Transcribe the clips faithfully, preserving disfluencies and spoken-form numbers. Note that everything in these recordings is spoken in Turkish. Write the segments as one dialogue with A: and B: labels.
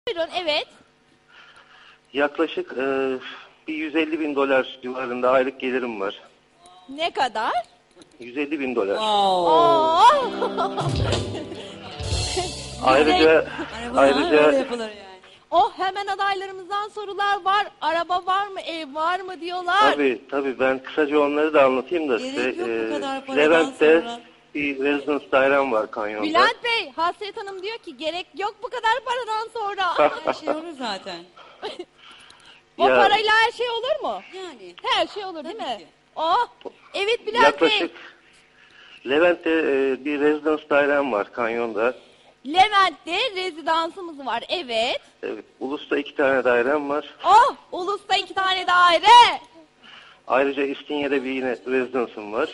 A: Buyurun, evet.
B: Yaklaşık e, bir yüz elli bin dolar civarında aylık gelirim var.
A: Ne kadar?
B: yüz elli bin dolar.
A: Oo.
B: Ayrıca ayrıca
C: yapılır yani.
A: Oh, hemen adaylarımızdan sorular var. Araba var mı, ev var mı diyorlar.
B: tabii tabii ben kısaca onları da anlatayım da
C: Gerek
B: size.
C: yok bu kadar paradan
B: Levent'te
C: sonra.
B: bir residence dairem var kanyonda.
A: Bülent Bey, Hasret Hanım diyor ki gerek yok bu kadar paradan sonra.
C: Her şey olur zaten.
A: O
B: Ya-
A: parayla her şey olur mu?
C: Yani.
A: Her şey olur değil
C: Tabii
A: mi?
C: ki.
A: Oh, evet Bülent
B: Yaklaşık
A: Bey.
B: Levent'te e, bir residence dairem var kanyonda.
A: Levent'te rezidansımız var, evet.
B: Evet, Ulus'ta iki tane dairem var.
A: Oh, Ulus'ta iki tane daire.
B: Ayrıca İstinye'de bir yine residence'ım var.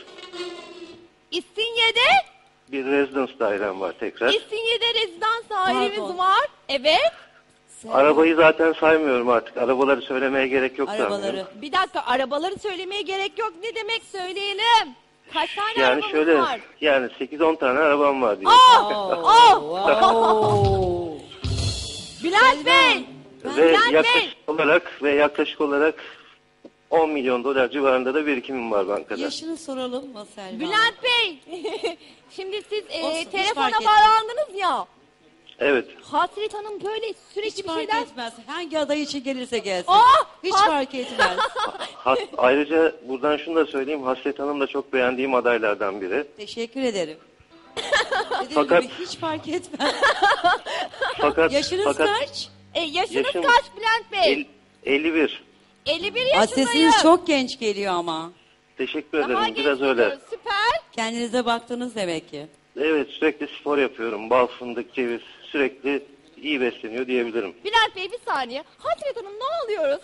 A: İstinye'de,
B: Bir residence dairem var tekrar.
A: İstinye'de rezidans dairemiz
C: Pardon.
A: var. Evet.
B: Arabayı zaten saymıyorum artık. Arabaları söylemeye gerek yok
C: Arabaları.
B: sanmıyorum.
A: Bir dakika, arabaları söylemeye gerek yok. Ne demek söyleyelim? Kaç tane
B: Yani
A: arabamız
B: şöyle
A: var?
B: yani sekiz on tane arabam var diye.
A: Oh,
C: Wow.
A: Bülent Bey.
B: Ve
A: Bülent Bey.
B: yaklaşık olarak ve yaklaşık olarak on milyon dolar civarında da birikimim var bankada.
C: Yaşını soralım mı Selma?
A: Bülent Bey. Şimdi siz e,
C: Olsun, hiç
A: telefona
C: fark etmez.
A: bağlandınız ya.
B: Evet.
A: Hasret Hanım böyle sürekli
C: Hiç
A: bir
C: fark
A: şeyler...
C: etmez. Hangi aday için gelirse gelsin.
A: Oh,
C: Hiç
A: has-
C: fark etmez.
B: Has- ayrıca buradan şunu da söyleyeyim. Hasret Hanım da çok beğendiğim adaylardan biri.
C: Teşekkür ederim. Dediğim
B: Fakat-
C: gibi hiç fark etmez.
B: Fakat
C: Yaşınız
B: fakat
C: kaç?
A: E, yaşınız
B: Yaşım-
A: kaç Bülent Bey?
B: el- elli bir.
A: elli bir
C: Aa,
A: yaşındayım.
C: sesiniz çok genç geliyor ama.
B: Teşekkür
A: Daha
B: ederim.
A: genç
B: Biraz öyle.
A: geliyoruz, süper.
C: Kendinize baktınız demek ki.
B: Evet, sürekli spor yapıyorum. Bal, fındık, ceviz. Sürekli iyi besleniyor diyebilirim.
A: Bülent Bey bir saniye. Hasret Hanım ne oluyoruz?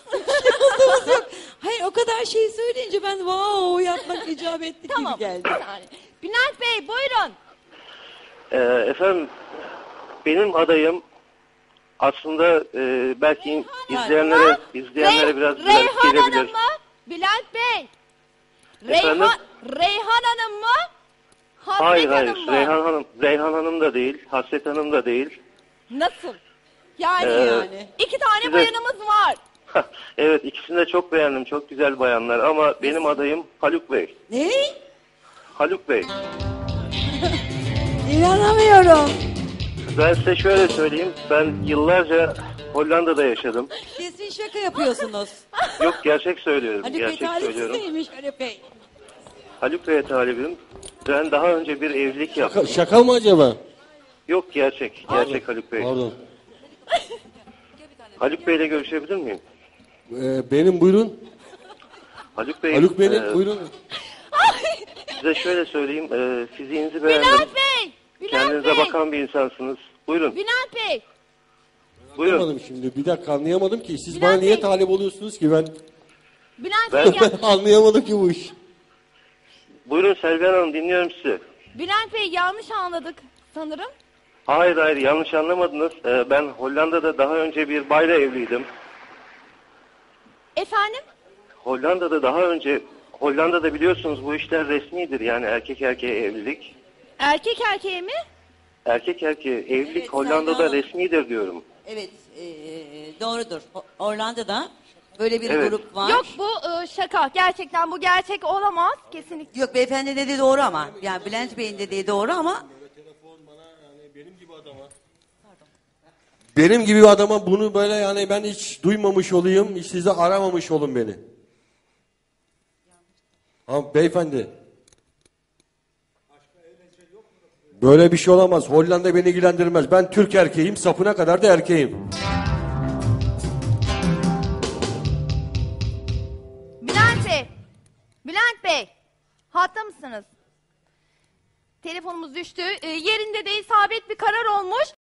C: Hayır, o kadar şey söyleyince ben wow yapmak icap etti
A: Tamam
C: gibi geldi.
A: bir saniye. Bülent Bey buyurun.
B: Ee, efendim, benim adayım aslında e, belki
A: Reyhan-
B: izleyenlere
A: Ha?
B: izleyenlere
A: Rey-
B: biraz garip
A: Reyhan Hanım
B: gelebilir.
A: mı? Bülent Bey.
B: Efendim?
A: Reyhan, Reyhan Hanım mı? Hasret
B: Hayır hayır,
A: Hanım mı?
B: Reyhan Hanım, Reyhan Hanım da değil, Hasret Hanım da değil.
A: Nasıl? Yani,
B: Ee,
A: yani. iki tane
B: size-
A: bayanımız var.
B: Evet, ikisini de çok beğendim, çok güzel bayanlar ama benim adayım Haluk Bey.
C: Ne?
B: Haluk Bey.
C: İnanamıyorum.
B: Ben size şöyle söyleyeyim, ben yıllarca Hollanda'da yaşadım.
C: Kesin şaka yapıyorsunuz.
B: Yok, gerçek söylüyorum,
C: Haluk Bey
B: gerçek söylüyorum.
C: talihsizmiş Haluk Bey.
B: Haluk Bey'e talibim. Ben daha önce bir evlilik
D: Şaka,
B: yaptım.
D: şaka mı acaba?
B: Yok, gerçek, gerçek Haluk Bey.
D: Pardon.
B: Haluk Bey'le görüşebilir miyim?
D: Ee, benim buyurun.
B: Haluk Bey,
D: Haluk benim
B: e,
D: buyurun.
B: size şöyle söyleyeyim, e, fiziğinizi beğendim.
A: Bülent Bey. Bülent
B: Kendinize
A: Bey.
B: bakan bir insansınız. Buyurun,
A: Bülent Bey.
B: buyurun.
D: Anlamadım şimdi. Bir dakika anlayamadım ki. Siz
A: Bülent
D: bana niye
A: Bey.
D: talip oluyorsunuz ki ben?
A: Bülent
B: Ben-
A: Bey, ya,
D: Anlayamadım ki bu iş.
B: Buyurun Selvihan Hanım, dinliyorum sizi.
A: Bülent Bey yanlış anladık sanırım.
B: Hayır hayır, yanlış anlamadınız. E, ben Hollanda'da daha önce bir bayla evliydim.
A: Efendim?
B: Hollanda'da daha önce, Hollanda'da biliyorsunuz bu işler resmidir. Yani erkek erkeğe evlilik.
A: Erkek erkeğe mi?
B: Erkek erkeğe evlilik
C: Evet,
B: Hollanda'da
C: Selma Hanım.
B: resmidir diyorum.
C: Evet, e, doğrudur. O- Orlando'da böyle bir
B: Evet.
C: grup var.
A: Yok bu e, şaka. Gerçekten bu gerçek olamaz. Kesinlikle.
C: Yok, beyefendi dediği doğru ama. Yani Bülent Bey'in dediği doğru ama
D: Benim gibi bir adama bunu böyle yani ben hiç duymamış olayım. Hiç size aramamış olun beni. Ama beyefendi. Böyle bir şey olamaz. Hollanda beni ilgilendirmez. Ben Türk erkeğim. Sapına kadar da erkeğim.
A: Bülent Bey. Bülent Bey. Hatta mısınız? Telefonumuz düştü. E, yerinde de isabet bir karar olmuş.